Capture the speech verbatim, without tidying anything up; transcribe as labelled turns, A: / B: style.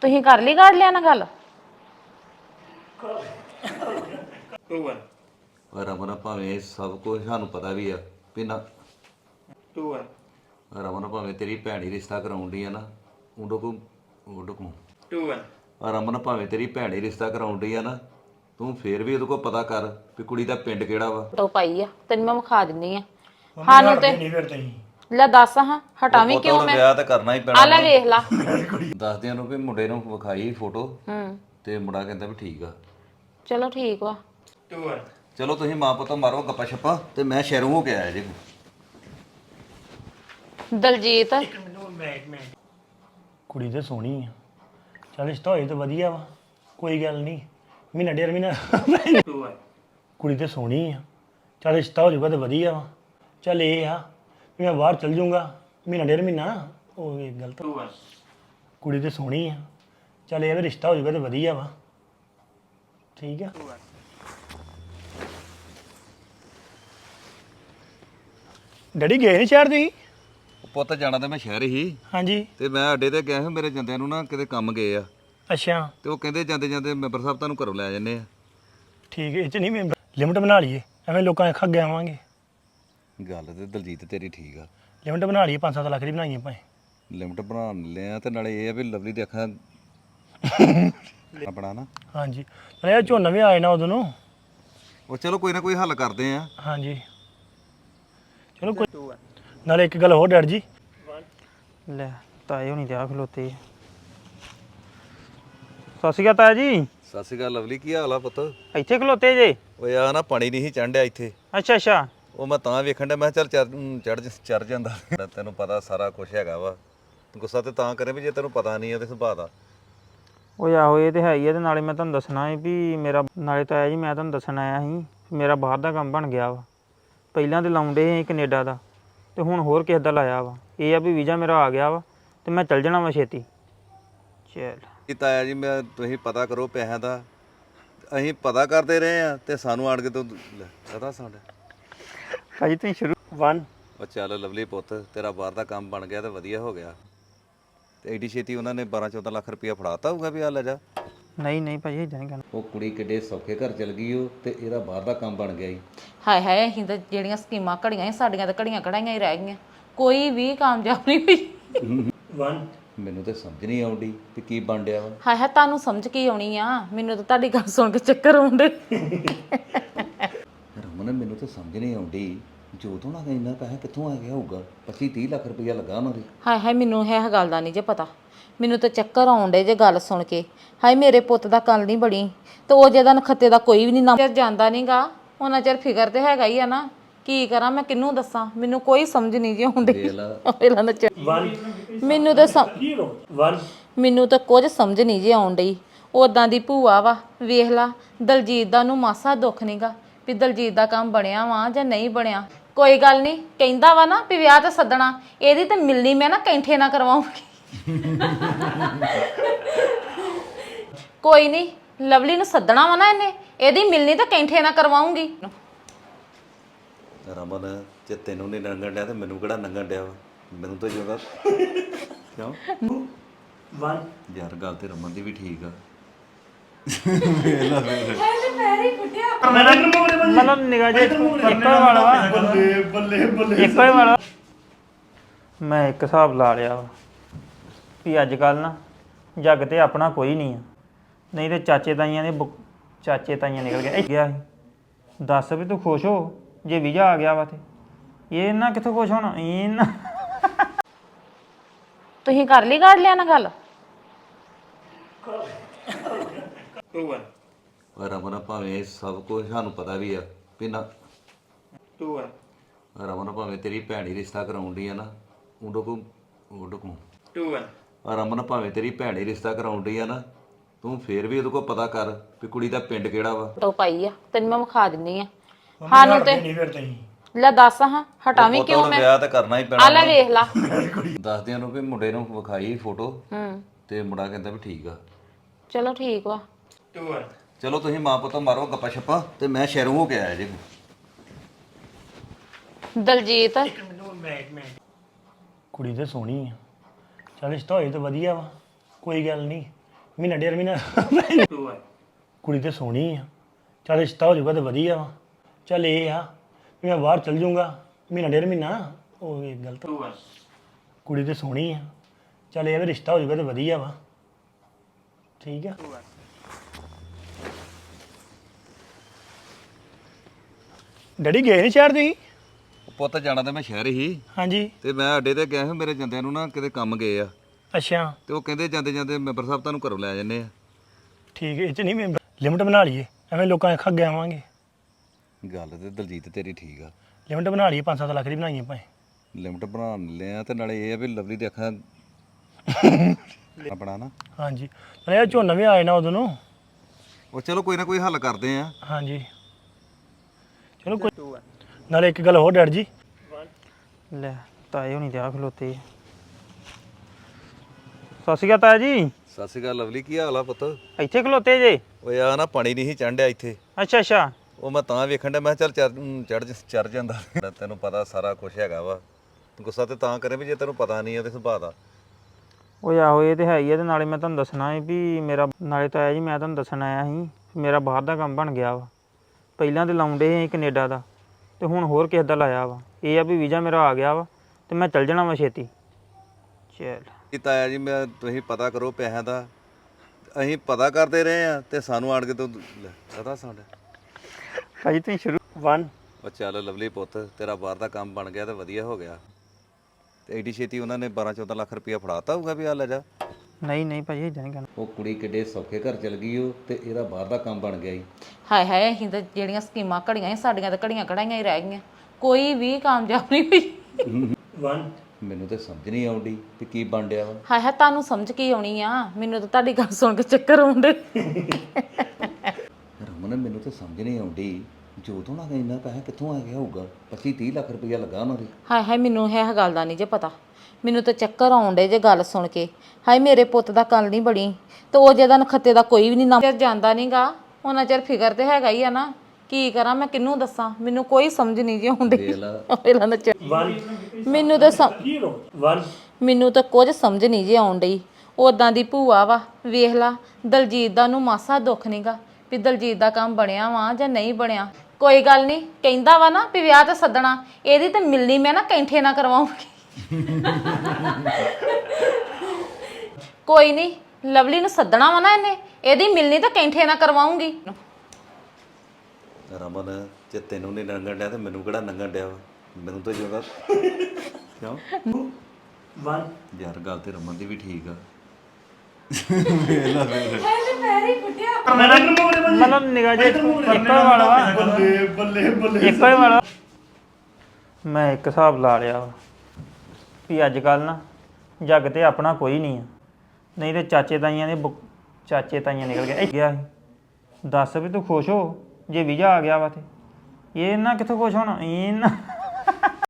A: ਤੁਸੀਂ ਕਰ ਲਈ ਗਾੜ ਲਿਆ ਨਾ ਗੱਲ
B: ਟੂ ਵਨ
C: ਰਮਨ ਭਾਵੇਂ ਸਭ ਕੁਝ ਸਾਨੂੰ ਪਤਾ ਵੀ ਆ ਵੀ ਨਾ
B: ਟੂ ਵਨ
C: ਰਮਨ ਭਾਵੇਂ ਤੇਰੀ ਭੈਣ ਹੀ ਰਿਸ਼ਤਾ ਕਰਾਉਂਦੀ ਆ ਨਾ ਉਹਦੇ ਕੋ ਉਹਦੇ ਕੋ
B: ਟੂ ਵਨ
C: ਰਮਨ ਭਾਵੇਂ ਤੇਰੀ ਭੈਣ ਹੀ ਰਿਸ਼ਤਾ ਕਰਾਉਂਦੀ ਆ ਨਾ ਤੂੰ ਫੇਰ ਵੀ ਉਹਦੇ ਕੋਲ ਪਤਾ ਕਰ ਵੀ ਕੁੜੀ ਦਾ ਪਿੰਡ ਕਿਹੜਾ ਵਾ
A: ਟੋ ਪਾਈ ਆ ਤੈਨੂੰ ਮੈਂ ਵਿਖਾ ਦਿੰਨੀ ਆ ਸਾਨੂੰ ਤੇ
B: ਨਹੀਂ ਫਿਰ ਤੁਸੀਂ
A: ਲੈ ਦੱਸ ਹਾਂ ਹਟਾਵੀਂ
C: ਪੁੱਤ
A: ਕਿਉਂ
C: ਹੁਣ
A: ਮੈਂ
C: ਵਿਆਹ ਤਾਂ ਕਰਨਾ ਹੀ
A: ਆ
C: ਪੈਣਾ
A: ਲੈ ਵੇਖ ਲਾ
C: ਦੱਸਦਿਆਂ ਨੂੰ ਵੀ ਮੁੰਡੇ ਨੂੰ ਵਿਖਾਈ ਫੋਟੋ
A: ਹੂੰ
C: ਤੇ ਮੁੰਡਾ ਕਹਿੰਦਾ ਵੀ ਠੀਕ ਆ
A: ਚਲੋ ਠੀਕ ਵਾ
B: ਟੂ ਵਨ
C: ਚਲੋ ਤੁਸੀਂ ਮਾਂ ਪੁੱਤ ਮਾਰੋ ਗੱਪਾ ਛੱਪਾ ਤੇ ਮੈਂ ਸ਼ਹਿਰੋਂ ਹੋ ਕੇ ਆਇਆ ਜੀ
A: ਦਲਜੀਤ
B: ਮੈਨੂੰ ਮੈਂ ਮੈਂ ਕੁੜੀ ਤੇ ਸੋਹਣੀ ਆ ਚੱਲ ਰਿਸ਼ਤਾ ਹੋਏ ਤਾਂ ਵਧੀਆ ਵਾ ਕੋਈ ਗੱਲ ਨਹੀਂ ਮਹੀਨਾ ਡੇਢ ਮਹੀਨਾ ਟੂ ਵਨ ਕੁੜੀ ਤੇ ਸੋਹਣੀ ਆ ਚੱਲ ਰਿਸ਼ਤਾ ਹੋ ਜਾਊਗਾ ਤਾਂ ਵਧੀਆ ਵਾ ਚੱਲ ਇਹ ਆ ਵੀ ਮੈਂ ਬਾਹਰ ਚਲ ਜਾਊਂਗਾ ਮਹੀਨਾ ਡੇਢ ਮਹੀਨਾ ਉਹ ਇਹ ਗਲਤ ਟੂ ਵਨ ਕੁੜੀ ਤੇ ਸੋਹਣੀ ਆ ਚੱਲ ਇਹ ਵੀ ਰਿਸ਼ਤਾ ਹੋ ਜਾਊਗਾ ਤਾਂ ਵਧੀਆ ਵਾ ਠੀਕ ਆ ਡੈਡੀ ਗਏ ਨਹੀਂ ਸ਼ਹਿਰ ਤੁਸੀਂ
C: ਪੁੱਤ ਜਾਣਾ ਤੇ ਮੈਂ ਸ਼ਹਿਰ ਹੀ
B: ਹਾਂਜੀ
C: ਤੇ ਮੈਂ ਅੱਡੇ ਤੇ ਗਿਆ ਸੀ ਮੇਰੇ ਜਾਂਦਿਆਂ ਨੂੰ ਨਾ ਕਿਤੇ ਕੰਮ ਗਏ ਆ
B: ਅੱਛਾ
C: ਤੇ ਉਹ ਕਹਿੰਦੇ ਜਾਂਦੇ ਜਾਂਦੇ ਮੈਂਬਰ ਸਾਹਿਬ ਤੁਹਾਨੂੰ ਘਰੋਂ ਲੈ ਜਾਂਦੇ ਆ
B: ਠੀਕ ਹੈ ਇਹ ਚ ਨਹੀਂ ਮੈਂ ਲਿਮਟ ਬਣਾ ਲਈਏ ਐਵੇਂ ਲੋਕਾਂ ਅੱਖਾਂ ਅੱਗੇ ਆਵਾਂਗੇ
C: ਗੱਲ ਤੇ ਦਲਜੀਤ ਤੇਰੀ ਠੀਕ ਆ
B: ਲਿਮਟ ਬਣਾ ਲਈਏ ਪੰਜ ਸੱਤ ਲੱਖ ਦੀ ਬਣਾਈਏ ਭਾਵੇਂ
C: ਲਿਮਟ ਬਣਾ ਲਿਆ ਤੇ ਨਾਲੇ ਇਹ ਆ ਵੀ ਲਵਲੀ ਦੀ ਅੱਖਾਂ ਆਪਣਾ ਨਾ
B: ਹਾਂਜੀ ਨਾਲੇ ਇਹ ਝੋਨਾ ਵੀ ਆਏ ਨਾ ਉਦੋਂ ਨੂੰ
C: ਉਹ ਚਲੋ ਕੋਈ ਨਾ ਕੋਈ ਹੱਲ ਕਰਦੇ ਆ
B: ਹਾਂਜੀ ਚਲੋ ਕੋਈ ਨਾਲੇ ਇੱਕ ਗੱਲ ਹੋਰ ਡੈਡ ਜੀ
D: ਲੈ ਤਾਏ ਹੋਣੀ ਤੇ ਆ ਖਲੋਤੇ ਸਤਿ ਸ਼੍ਰੀ ਅਕਾਲ ਤਾਇਆ ਜੀ
C: ਸਤਿ ਸ਼੍ਰੀ ਅਕਾਲ ਲਵਲੀ ਕੀ ਹਾਲ ਆ ਪੁੱਤ
D: ਇੱਥੇ ਖਲੋਤੇ ਜੇ
C: ਓਏ ਆ ਨਾ ਪਾਣੀ ਨਹੀਂ ਸੀ ਚੰਡਿਆ ਇੱਥੇ
D: ਅੱਛਾ ਅੱਛਾ
C: ਉਹ ਮੈਂ ਤਾਂ ਵੇਖਣ ਡਿਆ ਮੈਂ ਕਿਹਾ ਚੱਲ ਚੜ ਚੜ ਜਾਂਦਾ ਤੈਨੂੰ ਪਤਾ ਸਾਰਾ ਕੁਝ ਹੈਗਾ ਵਾ ਗੁੱਸਾ ਤੇ ਤਾਂ ਕਰੇ ਵੀ ਜੇ ਤੈਨੂੰ ਪਤਾ ਨਹੀਂ ਆ ਤੇ ਸੁਭਾਅ ਦਾ
D: ਉਹ ਆਹੋ ਇਹ ਤੇ ਹੈ ਹੀ ਆ ਤੇ ਨਾਲੇ ਮੈਂ ਤੁਹਾਨੂੰ ਦੱਸਣਾ ਸੀ ਵੀ ਮੇਰਾ ਨਾਲੇ ਤਾਇਆ ਜੀ ਮੈਂ ਤੁਹਾਨੂੰ ਦੱਸਣ ਆਇਆ ਸੀ ਮੇਰਾ ਬਾਹਰ ਦਾ ਕੰਮ ਬਣ ਗਿਆ ਵਾ ਪਹਿਲਾਂ ਤੇ ਲਾਉਂਦੇ ਸੀ ਕੈਨੇਡਾ ਦਾ ਤੇ ਹੁਣ ਹੋਰ ਕਿਸੇ ਦਾ ਲਾਇਆ ਵਾ ਇਹ ਆ ਵੀ ਵੀਜ਼ਾ ਮੇਰਾ ਆ ਗਿਆ ਵਾ ਤੇ ਮੈਂ ਚੱਲ ਜਾਣਾ ਵਾ ਛੇਤੀ ਚੱਲ
C: ਕੀਤਾ ਆ ਜੀ ਮੈਂ ਤੁਸੀਂ ਪਤਾ ਕਰੋ ਪੈਸਿਆਂ ਦਾ ਅਸੀਂ ਪਤਾ ਕਰਦੇ ਰਹੇ ਆ ਤੇ ਸਾਨੂੰ ਆਣ ਕੇ ਤੋਂ ਪਤਾ ਸਾਡਾ
D: ਭਾਜੀ ਤੁਸੀਂ ਸ਼ੁਰੂ
B: ਵਨ
C: ਉਹ ਚੱਲ ਲਵਲੀ ਪੁੱਤ ਤੇਰਾ ਬਾਹਰ ਦਾ ਕੰਮ ਬਣ ਗਿਆ ਤੇ ਵਧੀਆ ਹੋ ਗਿਆ ਤੇ ਐਡੀ ਛੇਤੀ ਉਹਨਾਂ ਨੇ ਬਾਰਾਂ ਚੌਦਾਂ ਲੱਖ ਰੁਪਇਆ ਫੜਾਤਾ ਹੋਊਗਾ ਵੀ ਆ ਲੈ ਜਾ
D: ਨਹੀਂ ਨਹੀਂ ਭਾਜੀ ਇਦਾਂ ਨਹੀਂ ਕਰਨਾ
C: ਉਹ ਕੁੜੀ ਕਿੱਡੇ ਸੌਖੇ ਘਰ ਚਲ ਗਈ ਉਹ ਤੇ ਇਹਦਾ ਬਾਹਰ ਦਾ ਕੰਮ ਬਣ ਗਿਆ ਜੀ
A: ਹਾਏ ਹਾਏ ਅਸੀਂ ਤਾਂ ਜਿਹੜੀਆਂ ਸਕੀਮਾਂ ਘੜੀਆਂ ਸੀ ਸਾਡੀਆਂ ਤਾਂ ਘੜੀਆਂ ਕਢਾਈਆਂ ਹੀ ਰਹਿ ਗਈਆਂ ਕੋਈ ਵੀ ਕਾਮਯਾਬ ਨਹੀਂ ਹੋਈ
B: ਵਨ
C: ਮੈਨੂੰ ਤੇ ਸਮਝ ਨਹੀਂ ਆਉਂਦੀ ਕਿ ਕੀ ਬਣ ਡਿਆ ਵਾ
A: ਹਾਏ ਹਾਏ ਤੁਹਾਨੂੰ ਸਮਝ ਕੀ ਆਉਣੀ ਆ ਮੈਨੂੰ ਤਾਂ ਤੁਹਾਡੀ ਗੱਲ ਸੁਣ ਕੇ ਚੱਕਰ ਆਉਂਦੇ
C: ਰਮਨ ਮੈਨੂੰ ਤਾਂ ਸਮਝ ਨਹੀਂ ਆਉਂਦੀ ਜੋ ਤੋਂ ਨਾ ਇੰਨਾ ਪੈਸਾ ਕਿੱਥੋਂ ਆ ਗਿਆ ਹੋਊਗਾ ਪੱਚੀ ਤੀਹ ਲੱਖ ਰੁਪਇਆ ਲੱਗਾ ਉਹਨਾਂ ਦੇ
A: ਹਾਏ ਹਾਏ ਮੈਨੂੰ ਇਹ ਗੱਲ ਦਾ ਨਹੀਂ ਜੇ ਪਤਾ ਮੈਨੂੰ ਤਾਂ ਚੱਕਰ ਆਉਂਦੇ ਜੇ ਗੱਲ ਸੁਣ ਕੇ ਹਾਏ ਮੇਰੇ ਪੁੱਤ ਦਾ ਕੱਲ ਨਹੀਂ ਬਣੀ ਤੇ ਉਹ ਜਿਹਦਾ ਨਖੱਤੇ ਦਾ ਕੋਈ ਵੀ ਨਹੀਂ ਨਾ ਜਾਂਦਾ ਨਹੀਂਗਾ ਉਹਨਾਂ ਚਿਰ ਫਿਕਰ ਤੇ ਹੈਗਾ ਹੀ ਆ ਨਾ ਕੀ ਕਰਾਂ ਮੈਂ ਕਿਹਨੂੰ ਦੱਸਾਂ ਮੈਨੂੰ ਕੋਈ ਸਮਝ ਨਹੀਂ ਜੇ ਆਉਂਦੀ ਪਹਿਲਾਂ ਨੱਚ ਮੈਨੂੰ ਤਾਂ ਸਮ-
B: ਵਨ
A: ਮੈਨੂੰ ਤਾਂ ਕੁਝ ਸਮਝ ਨਹੀਂ ਜੇ ਆਉਣ ਡਈ ਉਦਾਂ ਦੀ ਭੂਆ ਵਾ ਵੇਖ ਲਾ ਦਲਜੀਤ ਦਾ ਨੂੰ ਮਾਸਾ ਦੁੱਖ ਨਹੀਂਗਾ ਵੀ ਦਲਜੀਤ ਦਾ ਕੰਮ ਬਣਿਆ ਵਾ ਜਾਂ ਨਹੀਂ ਬਣਿਆ ਕੋਈ ਗੱਲ ਨਹੀਂ ਕਹਿੰਦਾ ਵਾ ਨਾ ਵੀ ਵਿਆਹ ਤੇ ਸੱਦਣਾ ਇਹਦੀ ਤੇ ਮਿਲਣੀ ਮੈਂ ਨਾ ਕੈਂਠੇ ਨਾ ਕਰਵਾਉਂਗੀ ਕੋਈ ਨਹੀਂ ਲਵਲੀ ਨੂੰ ਸੱਦਣਾ ਵਾ ਨਾ ਇਹਨੇ ਇਹਦੀ ਮਿਲਣੀ ਤਾਂ ਕੈਂਠੇ ਨਾ ਕਰਵਾਉਂਗੀ
C: ਰਮਨ ਜੇ ਤੈਨੂੰ ਨਹੀਂ ਨੰਗਣ ਡਿਆ ਤੇ ਮੈਨੂੰ ਕਿਹੜਾ ਨੰਗਣ ਡਿਆ ਵਾ ਮੈਨੂੰ ਤਾਂ ਜਿਆਦਾ ਕਿਉਂ
B: ਵਨ
C: ਯਾਰ ਗੱਲ ਤੇ ਰਮਨ ਦੀ ਵੀ ਠੀਕ ਆ
D: ਮਤਲਬ ਨਿਗਾਹ ਜੇ ਇੱਕੋ ਹੀ ਵਾਲਾ ਵਾ
B: ਬੱਲੇ ਬੱਲੇ ਬੱਲੇ
D: ਇੱਕੋ ਹੀ ਵਾਲਾ ਮੈਂ ਇੱਕ ਹਿਸਾਬ ਲਾ ਲਿਆ ਵਾ ਵੀ ਅੱਜ ਕੱਲ ਨਾ ਜੱਗ ਤੇ ਆਪਣਾ ਕੋਈ ਨਹੀਂ ਆ ਨਹੀਂ ਤੇ ਚਾਚੇ ਤਾਈਆਂ ਦੇ ਬੁ- ਚਾਚੇ ਤਾਈਆਂ ਨਿਕਲ ਗਿਆ ਗਿਆ ਸੀ ਦੱਸ ਵੀ ਤੂੰ ਖੁਸ਼ ਹੋ ਜੇ ਵੀਜ਼ਾ ਆ ਗਿਆ ਵਾ ਤੇ ਇਹ ਨਾ ਕਿੱਥੋਂ ਖੁਸ਼ ਹੋਣਾ ਇਹ ਨਾ
A: ਤੁਸੀਂ ਕਰ ਲਈ ਗਾੜ ਲਿਆ ਨਾ ਗੱਲ
B: ਟੂ ਵਨ
C: ਪਰ ਰਮਨ ਭਾਵੇਂ ਸਭ ਕੁਝ ਸਾਨੂੰ ਪਤਾ ਵੀ ਆ ਵੀ ਨਾ
B: ਟੂ ਵਨ
C: ਰਮਨ ਭਾਵੇਂ ਤੇਰੀ ਭੈਣ ਹੀ ਰਿਸ਼ਤਾ ਕਰਾਉਂਦੀ ਆ ਨਾ ਉਹਦੇ ਕੋ ਉਹਦੇ ਕੋ
B: ਟੂ ਵਨ
C: ਰਮਨ ਭਾਵੇਂ ਤੇਰੀ ਭੈਣ ਹੀ ਰਿਸ਼ਤਾ ਕਰਾਉਂਦੀ ਆ ਨਾ ਤੂੰ ਫੇਰ ਵੀ ਉਹਦੇ ਕੋਲ ਪਤਾ ਕਰ ਵੀ ਕੁੜੀ ਦਾ ਪਿੰਡ ਕਿਹੜਾ ਵਾ
A: ਟੋ ਪਾਈ ਆ ਤੈਨੂੰ ਮੈਂ ਵਿਖਾ ਦਿੰਨੀ ਆ ਸਾਨੂੰ ਤੇ
B: ਨਹੀਂ ਫਿਰ ਤੁਸੀਂ
A: ਲੈ ਦੱਸ ਹਾਂ ਹਟਾਵੀਂ ਕਿਉਂ ਮੈਂ
C: ਵਿਆਹ ਤਾਂ ਕਰਨਾ ਹੀ
A: ਆ
C: ਪੈਣਾ
A: ਲੈ ਵੇਖ ਲਾ
C: ਦੱਸਦਿਆਂ ਨੂੰ ਵੀ ਮੁੰਡੇ ਨੂੰ ਵਿਖਾਈ ਫੋਟੋ
A: ਹੂੰ
C: ਤੇ ਮੁੰਡਾ ਕਹਿੰਦਾ ਵੀ ਠੀਕ ਆ
A: ਚਲੋ ਠੀਕ ਵਾ
B: ਟੂ ਵਨ
C: ਚਲੋ ਤੁਸੀਂ ਮਾਂ ਪੁੱਤ ਮਾਰੋ ਗੱਪਾ ਛੱਪਾ ਤੇ ਮੈਂ ਸ਼ਹਿਰੋਂ ਹੋ ਕੇ ਆਇਆ ਜੀ
A: ਦਲਜੀਤ
B: ਮੈਨੂੰ ਮੈਂ ਮੈਂ ਕੁੜੀ ਤੇ ਸੋਹਣੀ ਆ ਚੱਲ ਰਿਸ਼ਤਾ ਹੋਏ ਤਾਂ ਵਧੀਆ ਵਾ ਕੋਈ ਗੱਲ ਨਹੀਂ ਮਹੀਨਾ ਡੇਢ ਮਹੀਨਾ ਕੁੜੀ ਤੇ ਸੋਹਣੀ ਆ ਚੱਲ ਰਿਸ਼ਤਾ ਹੋ ਜਾਊਗਾ ਤੇ ਵਧੀਆ ਵਾ ਚੱਲ ਇਹ ਆ ਵੀ ਮੈਂ ਬਾਹਰ ਚੱਲ ਜਾਊਂਗਾ ਮਹੀਨਾ ਡੇਢ ਮਹੀਨਾ ਉਹ ਇਹ ਗਲਤ ਕੁੜੀ ਤੇ ਸੋਹਣੀ ਆ ਚੱਲ ਇਹ ਆ ਵੀ ਰਿਸ਼ਤਾ ਹੋ ਜਾਊਗਾ ਤੇ ਵਧੀਆ ਵਾ ਠੀਕ ਆ ਡੈਡੀ ਗਏ ਨਹੀਂ ਸ਼ਹਿਰ ਤੁਸੀਂ
C: ਪੁੱਤ ਜਾਣਾ ਤੇ ਮੈਂ ਸ਼ਹਿਰ ਹੀ
B: ਹਾਂਜੀ
C: ਤੇ ਮੈਂ ਅੱਡੇ ਤੇ ਗਿਆ ਸੀ ਮੇਰੇ ਜਾਂਦਿਆਂ ਨੂੰ ਨਾ ਕਿਤੇ ਕੰਮ ਗਏ ਆ
B: ਅੱਛਾ
C: ਤੇ ਉਹ ਕਹਿੰਦੇ ਜਾਂਦੇ ਜਾਂਦੇ ਮੈਂਬਰ ਸਾਹਿਬ ਤੁਹਾਨੂੰ ਘਰੋਂ ਲੈ ਜਾਂਦੇ ਆ
B: ਠੀਕ ਹੈ ਇਹ 'ਚ ਨਹੀਂ ਲਿਮਟ ਬਣਾ ਲਈਏ ਐਵੇਂ ਲੋਕਾਂ ਅੱਖਾਂ ਅੱਗੇ ਆਵਾਂਗੇ
C: ਗੱਲ ਤੇ ਦਲਜੀਤ ਤੇਰੀ ਠੀਕ ਆ
B: ਲਿਮਟ ਬਣਾ ਲਈਏ ਪੰਜ ਸੱਤ ਲੱਖ ਦੀ ਬਣਾਈਏ ਭਾਵੇਂ
C: ਲਿਮਟ ਬਣਾ ਲਿਆ ਤੇ ਨਾਲੇ ਇਹ ਆ ਵੀ ਲਵਲੀ ਦੇ ਅੱਖਾਂ ਆਪਣਾ ਨਾ
B: ਹਾਂਜੀ ਪਰ ਇਹ ਝੋਨਾ ਵੀ ਆਏ ਨਾ ਉਦੋਂ ਨੂੰ
C: ਉਹ ਚਲੋ ਕੋਈ ਨਾ ਕੋਈ ਹੱਲ ਕਰਦੇ ਆ
B: ਹਾਂਜੀ ਚਲੋ ਕੋਈ ਨਾਲੇ ਇੱਕ ਗੱਲ ਹੋਰ ਡੈਡ ਜੀ
D: ਲੈ ਤਾਏ ਹੋਣੀ ਤੇ ਆ ਖਲੋਤੇ ਸਤਿ ਸ਼੍ਰੀ ਅਕਾਲ ਤਾਇਆ ਜੀ
C: ਸਤਿ ਸ਼੍ਰੀ ਅਕਾਲ ਲਵਲੀ ਕੀ ਹਾਲ ਆ ਪੁੱਤ
D: ਇੱਥੇ ਖਲੋਤੇ ਜੇ
C: ਓਏ ਆ ਨਾ ਪਾਣੀ ਨਹੀਂ ਸੀ ਚੰਡਿਆ ਇੱਥੇ
D: ਅੱਛਾ ਅੱਛਾ
C: ਉਹ ਮੈਂ ਤਾਂ ਵੇਖਣ ਡਿਆ ਮੈਂ ਕਿਹਾ ਚੱਲ ਚੜ ਚੜ ਜਾਂਦਾ ਤੈਨੂੰ ਪਤਾ ਸਾਰਾ ਕੁਝ ਹੈਗਾ ਵਾ ਗੁੱਸਾ ਤੇ ਤਾਂ ਕਰੇ ਵੀ ਜੇ ਤੈਨੂੰ ਪਤਾ ਨਹੀਂ ਉਹਦੇ ਸੁਭਾਅ ਦਾ
D: ਉਹ ਆਹੋ ਇਹ ਤੇ ਹੈ ਹੀ ਆ ਤੇ ਨਾਲੇ ਮੈਂ ਤੁਹਾਨੂੰ ਦੱਸਣਾ ਸੀ ਵੀ ਮੇਰਾ ਨਾਲੇ ਤਾਇਆ ਜੀ ਮੈਂ ਤੁਹਾਨੂੰ ਦੱਸਣ ਆਇਆ ਸੀ ਮੇਰਾ ਬਾਹਰ ਦਾ ਕੰਮ ਬਣ ਗਿਆ ਵਾ ਪਹਿਲਾਂ ਤੇ ਲਾਉਂਦੇ ਸੀ ਕੈਨੇਡਾ ਦਾ ਤੇ ਹੁਣ ਹੋਰ ਕਿਸੇ ਦਾ ਲਾਇਆ ਵਾ ਇਹ ਆ ਵੀ ਵੀਜ਼ਾ ਮੇਰਾ ਆ ਗਿਆ ਵਾ ਤੇ ਮੈਂ ਚੱਲ ਜਾਣਾ ਵਾ ਛੇਤੀ ਚੱਲ
C: ਇਹ ਤਾਇਆ ਜੀ ਮੈਂ ਤੁਸੀਂ ਪਤਾ ਕਰੋ ਪੈਸਿਆਂ ਦਾ ਅਸੀਂ ਪਤਾ ਕਰਦੇ ਰਹੇ ਆ ਤੇ ਸਾਨੂੰ ਆਣ ਕੇ ਤੂੰ ਪਤਾ ਸਾਡਾ
D: ਭਾਜੀ ਤੁਸੀਂ ਸ਼ੁਰੂ
B: ਵਨ
C: ਉਹ ਚੱਲ ਲਵਲੀ ਪੁੱਤ ਤੇਰਾ ਬਾਹਰ ਦਾ ਕੰਮ ਬਣ ਗਿਆ ਤੇ ਵਧੀਆ ਹੋ ਗਿਆ ਤੇ ਐਡੀ ਛੇਤੀ ਉਹਨਾਂ ਨੇ ਬਾਰਾਂ ਚੌਦਾਂ ਲੱਖ ਰੁਪਇਆ ਫੜਾਤਾ ਹੋਊਗਾ ਵੀ ਆ ਲੈ ਜਾ
D: ਨਹੀਂ ਨਹੀਂ ਭਾਜੀ ਇਦਾਂ ਨਹੀਂ ਕਰਨਾ
C: ਉਹ ਕੁੜੀ ਕਿੱਡੇ ਸੌਖੇ ਘਰ ਚਲ ਗਈ ਉਹ ਤੇ ਇਹਦਾ ਬਾਹਰ ਦਾ ਕੰਮ ਬਣ ਗਿਆ ਜੀ
A: ਹਾਏ ਹਾਏ ਅਸੀਂ ਤਾਂ ਜਿਹੜੀਆਂ ਸਕੀਮਾਂ ਘੜੀਆਂ ਸੀ ਸਾਡੀਆਂ ਤਾਂ ਘੜੀਆਂ ਕਢਾਈਆਂ ਹੀ ਰਹਿ ਗਈਆਂ ਕੋਈ ਵੀ ਕਾਮਯਾਬ ਨਹੀਂ ਹੋਈ
B: ਵਨ
C: ਮੈਨੂੰ ਤੇ ਸਮਝ ਨਹੀਂ ਆਉਂਦੀ ਕਿ ਕੀ ਬਣ ਡਿਆ ਵਾ
A: ਹਾਏ ਹਾਏ ਤੁਹਾਨੂੰ ਸਮਝ ਕੀ ਆਉਣੀ ਆ ਮੈਨੂੰ ਤਾਂ ਤੁਹਾਡੀ ਗੱਲ ਸੁਣ ਕੇ ਚੱਕਰ ਆਉਂਦੇ
C: ਰਮਨ ਮੈਨੂੰ ਤੇ ਸਮਝ ਨਹੀਂ ਆਉਂਦੀ ਜੋ ਤੋਂ ਨਾ ਇੰਨਾ ਪੈਸਾ ਕਿੱਥੋਂ ਆ ਗਿਆ ਹੋਊਗਾ ਪੱਚੀ ਤੀਹ ਲੱਖ ਰੁਪਇਆ ਲੱਗਾ ਉਹਨਾਂ ਦੇ
A: ਹਾਏ ਹਾਏ ਮੈਨੂੰ ਇਹ ਗੱਲ ਦਾ ਨਹੀਂ ਜੇ ਪਤਾ ਮੈਨੂੰ ਤਾਂ ਚੱਕਰ ਆਉਂਦੇ ਜੇ ਗੱਲ ਸੁਣ ਕੇ ਹਾਏ ਮੇਰੇ ਪੁੱਤ ਦਾ ਕੱਲ ਨਹੀਂ ਬਣੀ ਤੇ ਉਹ ਜਿਹਦਾ ਨਖੱਤੇ ਦਾ ਕੋਈ ਵੀ ਨਹੀਂ ਨਾਮ ਜਾਂਦਾ ਨਹੀਂਗਾ ਉਹਨਾਂ ਚਿਰ ਫਿਕਰ ਤੇ ਹੈਗਾ ਹੀ ਆ ਨਾ ਕੀ ਕਰਾਂ ਮੈਂ ਕਿਹਨੂੰ ਦੱਸਾਂ ਮੈਨੂੰ ਕੋਈ ਸਮਝ ਨਹੀਂ ਜੇ ਆਉਂਦੀ ਪਹਿਲਾਂ ਨੱਚ ਮੈਨੂੰ ਤਾਂ ਸਮ-
B: ਵਨ
A: ਮੈਨੂੰ ਤਾਂ ਕੁਝ ਸਮਝ ਨਹੀਂ ਜੇ ਆਉਣ ਡਈ ਉਦਾਂ ਦੀ ਭੂਆ ਵਾ ਵੇਖ ਲਾ ਦਲਜੀਤ ਦਾ ਨੂੰ ਮਾਸਾ ਦੁੱਖ ਨਹੀਂਗਾ ਵੀ ਦਲਜੀਤ ਦਾ ਕੰਮ ਬਣਿਆ ਵਾ ਜਾਂ ਨਹੀਂ ਬਣਿਆ ਕੋਈ ਗੱਲ ਨਹੀਂ ਕਹਿੰਦਾ ਵਾ ਨਾ ਵੀ ਵਿਆਹ ਤੇ ਸੱਦਣਾ ਇਹਦੀ ਤਾਂ ਮਿਲਣੀ ਮੈਂ ਨਾ ਕੈਂਠੇ ਨਾ ਕਰਵਾਉਂਗੀ ਕੋਈ ਨਹੀਂ ਲਵਲੀ ਨੂੰ ਸੱਦਣਾ ਵਾ ਨਾ ਇਹਨੇ ਇਹਦੀ ਮਿਲਣੀ ਤਾਂ ਕੈਂਠੇ ਨਾ ਕਰਵਾਉਂਗੀ
C: ਰਮਨ ਜੇ ਤੈਨੂੰ ਨਹੀਂ ਨੰਗਣ ਡਿਆ ਤੇ ਮੈਨੂੰ ਕਿਹੜਾ ਨੰਗਣ ਡਿਆ ਵਾ ਮੈਨੂੰ ਤਾਂ ਜਿਆਦਾ ਕਿਉਂ
B: ਵਨ
C: ਯਾਰ ਗੱਲ ਤੇ ਰਮਨ ਦੀ ਵੀ ਠੀਕ ਆ
D: ਮਤਲਬ ਨਿਗਾਹ ਜੇ ਇੱਕੋ ਵਾਲਾ ਵਾ
B: ਬੱਲੇ ਬੱਲੇ ਬੱਲੇ
D: ਇੱਕੋ ਹੀ ਵਾਲਾ ਮੈਂ ਇੱਕ ਹਿਸਾਬ ਲਾ ਲਿਆ ਵਾ ਵੀ ਅੱਜ ਕੱਲ ਨਾ ਜੱਗ ਤੇ ਆਪਣਾ ਕੋਈ ਨਹੀਂ ਆ ਨਹੀਂ ਤੇ ਚਾਚੇ ਤਾਈਆਂ ਦੇ ਬੁ- ਚਾਚੇ ਤਾਈਆਂ ਨਿਕਲ ਗਿਆ ਗਿਆ ਸੀ ਦੱਸ ਵੀ ਤੂੰ ਖੁਸ਼ ਹੋ ਜੇ ਵੀਜ਼ਾ ਆ ਗਿਆ ਵਾ ਤੇ ਇਹ ਨਾ ਕਿੱਥੋਂ ਖੁਸ਼ ਹੋਣਾ ਇਹ ਨਾ